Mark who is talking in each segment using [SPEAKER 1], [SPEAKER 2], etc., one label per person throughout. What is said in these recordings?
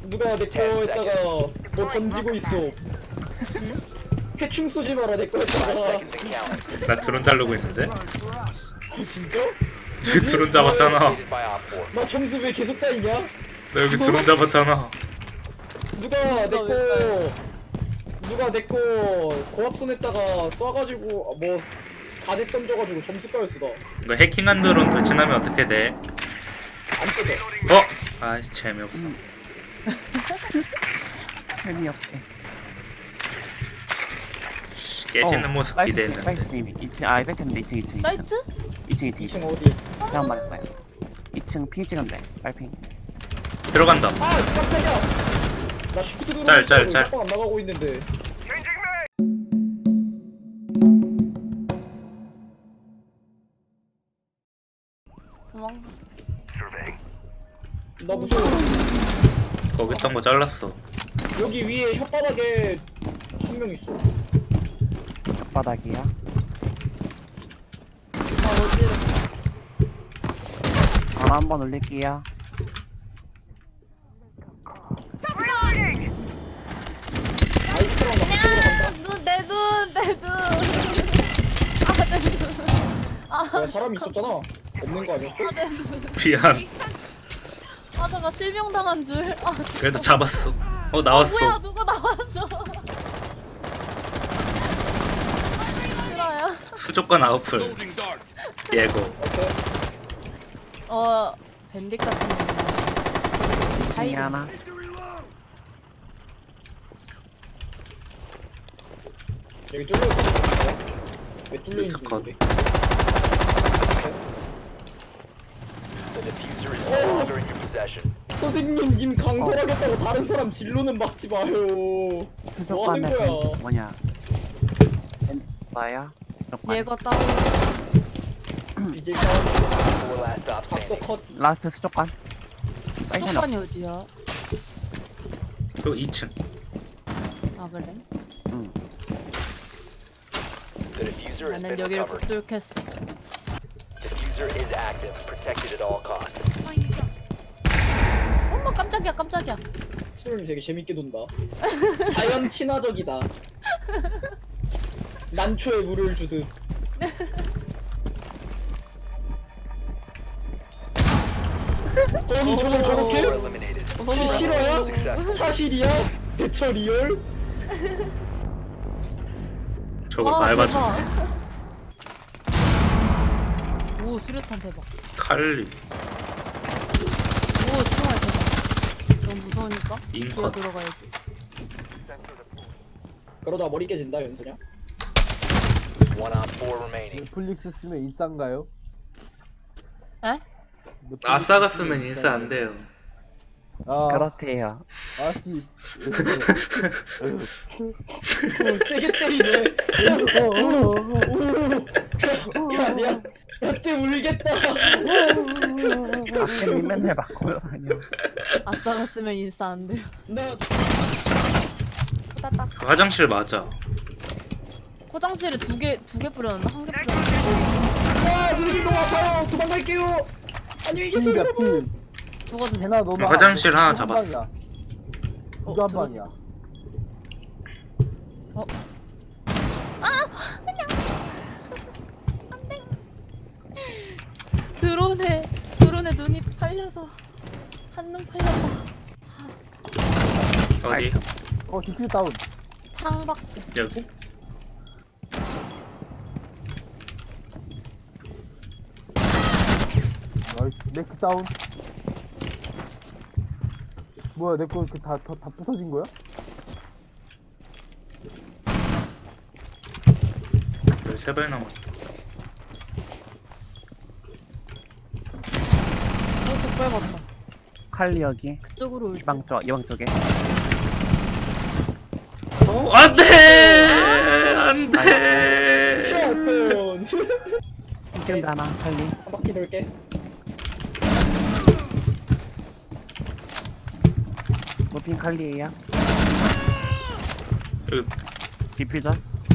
[SPEAKER 1] 누가 내 거에다가 뭐 던지고 있어. 해충 쏘지 마라 내 거에다가.
[SPEAKER 2] 나 드론 자르고 있는데?
[SPEAKER 1] 진짜?
[SPEAKER 2] 드론 잡았잖아.
[SPEAKER 1] 나 점수 왜 계속 따이냐?
[SPEAKER 2] 나 여기 드론 잡았잖아.
[SPEAKER 1] 누가 내 거 고압선에다가 쏴가지고 뭐 가재 던져가지고 점수 까였어 나.
[SPEAKER 2] 너 해킹한 드론 돌진하면 어떻게 돼?
[SPEAKER 1] 안 뜯어.
[SPEAKER 2] 어? 아이씨 재미없어.
[SPEAKER 3] 재미없게.
[SPEAKER 2] 깨지는 모습 기대했는데.
[SPEAKER 3] 사이트 2층, 아, 사이트인데 2층.
[SPEAKER 4] 사이트?
[SPEAKER 3] 2층.
[SPEAKER 1] 2층 어디?
[SPEAKER 3] 잘못 말했어요. 2층 핑 찍은데, 빨핑.
[SPEAKER 2] 들어간다.
[SPEAKER 1] 아 깜짝이야. 나 시프트 누르고
[SPEAKER 2] 짤.
[SPEAKER 1] 안 나가고 있는데.
[SPEAKER 4] 도망.
[SPEAKER 1] 나 무서워.
[SPEAKER 2] 거기 있던 거 잘랐어.
[SPEAKER 1] 여기 위에 혓바닥에 한 명 있어.
[SPEAKER 3] 바닥이야.
[SPEAKER 4] 아 어디로?
[SPEAKER 3] 전화 한번 올릴게요.
[SPEAKER 1] 아이스크림 나 그쪽으로 간다.
[SPEAKER 4] 내 눈. 아, 내 눈. 아,
[SPEAKER 1] 야, 사람이 있었잖아. 없는 거 아니었어?
[SPEAKER 4] 내 눈.
[SPEAKER 2] 미안.
[SPEAKER 4] 아, 잠깐 실명당한 줄. 아,
[SPEAKER 2] 그래도 잡았어. 나왔어.
[SPEAKER 4] 뭐야, 누구 나왔어? 싫어요.
[SPEAKER 2] 수족관 아웃풀. 예고.
[SPEAKER 4] 어, 밴딧 같은 거.
[SPEAKER 3] 2층에 하나.
[SPEAKER 1] 여기 뚫려 있어. 왜 뚫려 있는지
[SPEAKER 2] 컷.
[SPEAKER 1] 모르겠네. 선생님 님 강설하겠다고 다른 사람 진로는 막지 마요. 뭐 하는
[SPEAKER 3] 수족관에
[SPEAKER 1] 거야?
[SPEAKER 3] 뭐냐? 나야? 수족관.
[SPEAKER 4] 얘가 따로.
[SPEAKER 1] 이제 싸움. 각도 컷.
[SPEAKER 3] 라스트 수족관. 사이트는
[SPEAKER 4] 수족관이 어디야?
[SPEAKER 2] 또 2층.
[SPEAKER 4] 아, 그래?
[SPEAKER 3] 응.
[SPEAKER 4] 나는 여기를 못 뚫겠어. 엄마 깜짝이야.
[SPEAKER 1] 수님 되게 재밌게 논다. 자연 친화적이다. 난초에 물을 주듯. 아니 저걸 저렇게? 실화야? 사실이야? 대처 리얼?
[SPEAKER 2] 저걸
[SPEAKER 4] 와,
[SPEAKER 2] 밟아주네.
[SPEAKER 4] 대박. 오, 수류탄 대박.
[SPEAKER 2] 칼리.
[SPEAKER 4] 오, 총알 대박. 너무 무서우니까
[SPEAKER 2] 인컷.
[SPEAKER 4] 기어 들어가야지.
[SPEAKER 1] 그러다 머리 깨진다 연수냐?
[SPEAKER 5] 넷플릭스 쓰면 인싸인가요?
[SPEAKER 4] 에?
[SPEAKER 2] 아싸가 쓰면 인싸 안 돼요.
[SPEAKER 5] 아,
[SPEAKER 3] 그렇대요.
[SPEAKER 5] 아씨.
[SPEAKER 1] 세게 때리네. 야쟤 울겠다.
[SPEAKER 3] 아침이 맨날 바꿔요. 아니요.
[SPEAKER 4] 아싸가 쓰면 인싸 안 돼요.
[SPEAKER 1] 나
[SPEAKER 4] 따딱.
[SPEAKER 2] 그 화장실 맞아.
[SPEAKER 4] 화장실에 두 개 뿌렸나? 한 개 뿌렸나?
[SPEAKER 1] 와 선생님 너무 아파요. 도망갈게요. 안녕히 계세요
[SPEAKER 5] 필이야
[SPEAKER 1] 여러분.
[SPEAKER 5] 필.
[SPEAKER 4] 죽어도 돼.
[SPEAKER 5] 대나 너무
[SPEAKER 2] 화장실 하나 잡았어.
[SPEAKER 5] 이거 한 방이야.
[SPEAKER 4] 드론에 눈이 팔려서 한눈 팔려서
[SPEAKER 2] 어디?
[SPEAKER 5] 디필 다운.
[SPEAKER 4] 창밖.
[SPEAKER 2] 여기?
[SPEAKER 5] 나이스. 네크 다운. 뭐야 내 거 다 부서진 거야?
[SPEAKER 2] 13발 남았어.
[SPEAKER 4] 족발 봤다.
[SPEAKER 3] 칼리 여기.
[SPEAKER 4] 그쪽으로 올.
[SPEAKER 3] 이방 쪽에.
[SPEAKER 2] 안돼! 안돼!
[SPEAKER 1] 필요없던.
[SPEAKER 3] 2층도 하나, 칼리.
[SPEAKER 1] 한 바퀴 돌게.
[SPEAKER 3] 무핑 칼리에요.
[SPEAKER 2] 여기
[SPEAKER 3] 디퓨저.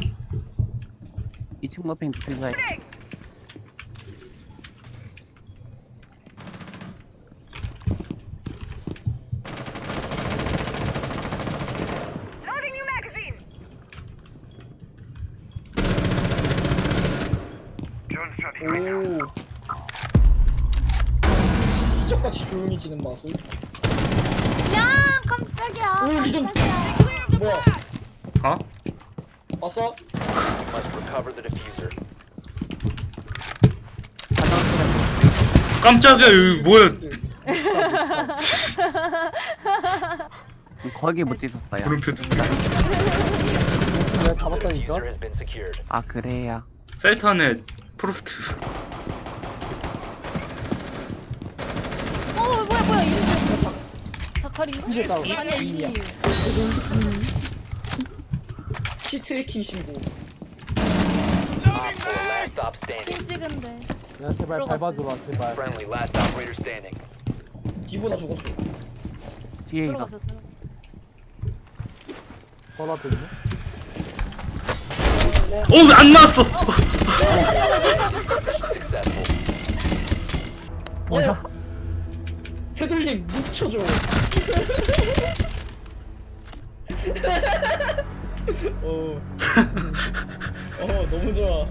[SPEAKER 3] 2층 무핑 디퓨저.
[SPEAKER 1] 오. 시적같이 조용해지는 마술.
[SPEAKER 4] 야 깜짝이야.
[SPEAKER 1] 오, 리전.
[SPEAKER 4] 깜짝이야.
[SPEAKER 1] 뭐야?
[SPEAKER 2] 어?
[SPEAKER 1] 봤어?
[SPEAKER 6] Must recover the diffuser.
[SPEAKER 2] 깜짝이야 여기 뭐야?
[SPEAKER 3] 거기 못 찢었어요.
[SPEAKER 2] 물음표 뜬다.
[SPEAKER 5] 내가 잡았다니까?
[SPEAKER 6] Diffuser has been secured.
[SPEAKER 3] 아 그래요.
[SPEAKER 2] 셀트 안에 프로스트.
[SPEAKER 4] 뭐야 이거 자칼인가?
[SPEAKER 5] 이게 다운.
[SPEAKER 4] 아니야 이미야.
[SPEAKER 1] 시트해킹 신고.
[SPEAKER 6] Op 4 last stop standing.
[SPEAKER 4] 핀 찍은데.
[SPEAKER 5] 야 제발 밟아줘라 제발.
[SPEAKER 6] Friendly last operator standing.
[SPEAKER 1] 디보나 죽었어.
[SPEAKER 3] 뒤에 있어.
[SPEAKER 4] 들어갔어.
[SPEAKER 5] 바로 앞에 있네.
[SPEAKER 2] 어안 나왔어.
[SPEAKER 6] Successful.
[SPEAKER 3] 뭐야?
[SPEAKER 1] 새돌림 묻혀줘. 어. 너무 좋아.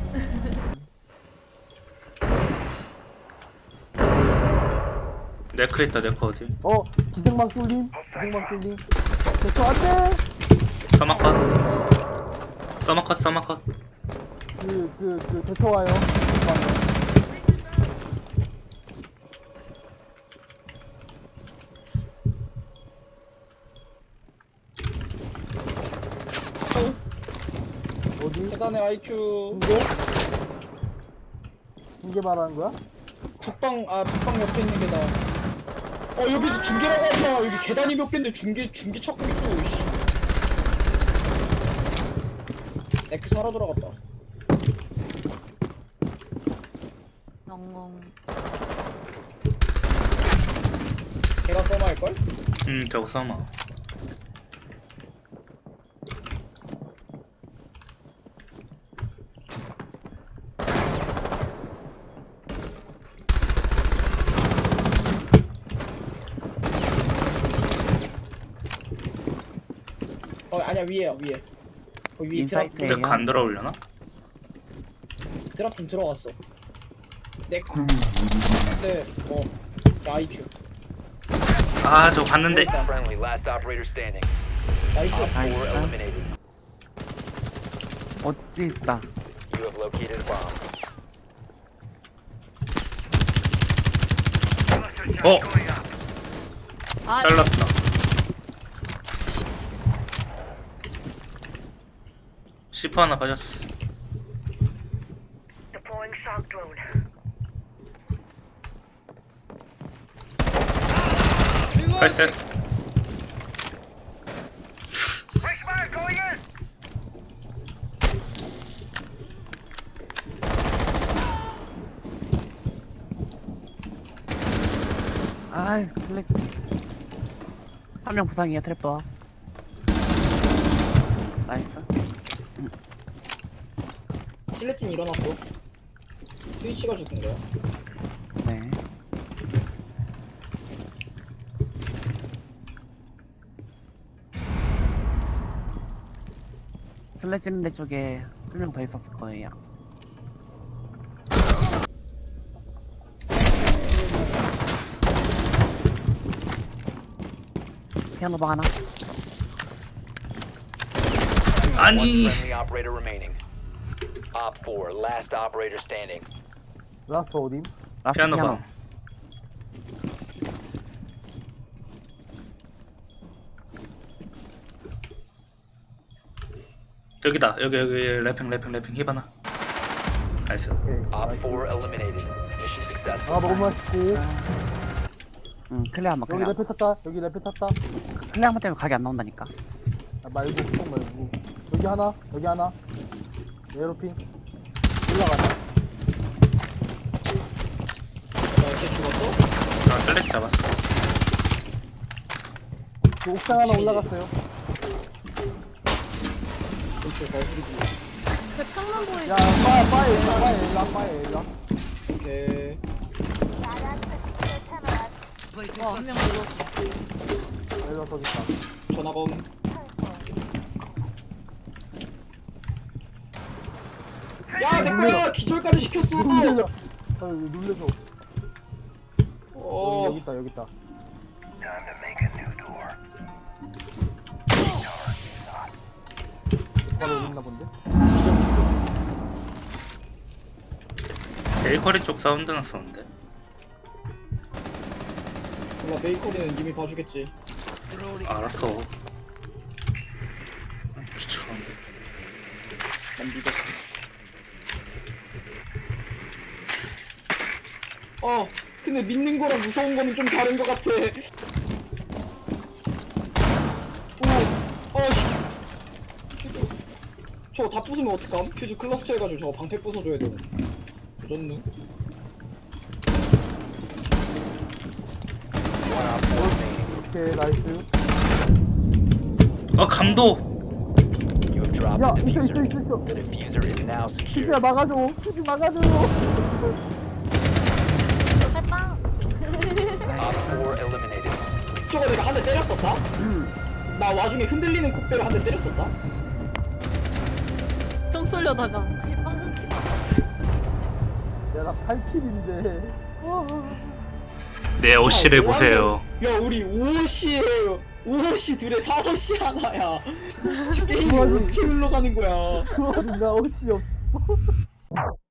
[SPEAKER 2] 네크 있다 네크 어디?
[SPEAKER 5] 기생방 뚫림. 기생방 뚫림. 됐어 안돼.
[SPEAKER 2] 서마컷 서마컷.
[SPEAKER 5] 그 대처 와요. 어디?
[SPEAKER 1] 계단의 IQ.
[SPEAKER 5] 중계? 중계 말하는 거야?
[SPEAKER 1] 북방 옆에 있는 계단. 여기서 중계라고 하지마. 여기 계단이 몇 개인데 중계 찾고 있어. 씨. 네크 살아 돌아갔다.
[SPEAKER 4] 엉엉.
[SPEAKER 1] 걔가 써마일걸?
[SPEAKER 2] 저거 서마.
[SPEAKER 1] 아니야 위에야 위에. 거기 위에 드랍.
[SPEAKER 3] 인사이트에요.
[SPEAKER 2] 네크 안 들어올려나?
[SPEAKER 1] 드랍 좀 들어갔어. 네크. 네. IQ.
[SPEAKER 2] 아 저거 봤는데.
[SPEAKER 6] Friendly last operator standing.
[SPEAKER 1] 나이스.
[SPEAKER 6] Op 4
[SPEAKER 3] Nice.
[SPEAKER 6] eliminated.
[SPEAKER 3] 어찌 있다.
[SPEAKER 6] You have located a bomb.
[SPEAKER 4] 아
[SPEAKER 2] 잘랐다. 시퍼 하나 빠졌어.
[SPEAKER 7] Deploying shock drone.
[SPEAKER 2] 팔셋.
[SPEAKER 7] Flashbang going in.
[SPEAKER 3] 아이 슬래치. 한 명 부상이야 트랩도. 나이스.
[SPEAKER 1] 실레틴 일어났어. 스위치가 죽은 거야.
[SPEAKER 3] 네. 슬래치는 쪽에 한 명 더 있었을 거예요. 피아노 방 하나.
[SPEAKER 6] One
[SPEAKER 2] 아니.
[SPEAKER 6] friendly operator remaining. Op 4 last operator standing.
[SPEAKER 5] 라스트 어딘?
[SPEAKER 3] 라스트
[SPEAKER 2] 피아노 방. 여기다 여기 래핑 히바나. 나이스.
[SPEAKER 5] 오케이.
[SPEAKER 6] Op 4 eliminated. Mission successful.
[SPEAKER 5] 아 너무 맛있고.
[SPEAKER 3] 응 클레어 한번
[SPEAKER 5] 여기
[SPEAKER 3] 클레어.
[SPEAKER 5] 레페 탔다. 여기 레페 탔다.
[SPEAKER 3] 클레어 한번 때문에 각이 안 나온다니까.
[SPEAKER 5] 말고 꼭 말고. 여기 하나. 여기 하나. 에어로핀. 올라가자.
[SPEAKER 1] 걔 죽었어?
[SPEAKER 2] 셀렉 잡았어.
[SPEAKER 5] 그 옥상 하나 올라갔어요.
[SPEAKER 4] 그 창문 보이.
[SPEAKER 5] 야 파에 일라 파에 일라.
[SPEAKER 1] 오케이.
[SPEAKER 4] 한 명 들어왔어.
[SPEAKER 5] 일라 더 있다.
[SPEAKER 1] 전화검. 야, 내 거야! 기절까지 시켰어!
[SPEAKER 5] 놀래라. 아, 놀래서.
[SPEAKER 1] 어,
[SPEAKER 5] 여기 있다, 여기 있다. 바로 여기 있나 본데?
[SPEAKER 2] 베이커리 쪽 사운드 났었는데.
[SPEAKER 1] 몰라, 베이커리는 님이 봐주겠지.
[SPEAKER 2] 알았어. 귀찮은데.
[SPEAKER 1] 난 믿어. 근데 믿는 거랑 무서운 거는 좀 다른 것 같아. 씨. 저거 다 부수면 어떡함? 퓨즈 클러스터 해가지고 저거 방패 부숴줘야 돼. 조졌네.
[SPEAKER 5] 오케이, 나이스.
[SPEAKER 2] 감도.
[SPEAKER 6] You have dropped
[SPEAKER 5] 야,
[SPEAKER 6] the
[SPEAKER 5] 있어, 있어,
[SPEAKER 6] diffuser.
[SPEAKER 5] 있어, 있어.
[SPEAKER 6] The diffuser is now
[SPEAKER 5] 퓨즈야,
[SPEAKER 6] secure.
[SPEAKER 5] 막아줘. 퓨즈 막아줘.
[SPEAKER 4] 살빵.
[SPEAKER 6] Op 4 eliminated.
[SPEAKER 1] 저거 내가 한 대 때렸었다? 나 와중에 흔들리는 콧배로 한 대 때렸었다?
[SPEAKER 4] 똥 쏠려다가 살빵.
[SPEAKER 5] 야, 나 8킬인데.
[SPEAKER 2] 내 옷실을 보세요.
[SPEAKER 1] 야, 우리 5호씨에요. 5호씨 둘에 4호씨 하나야. 게임이
[SPEAKER 5] 뭐하지?
[SPEAKER 1] 어떻게 흘러가는 거야.
[SPEAKER 5] 나 옷이 없어.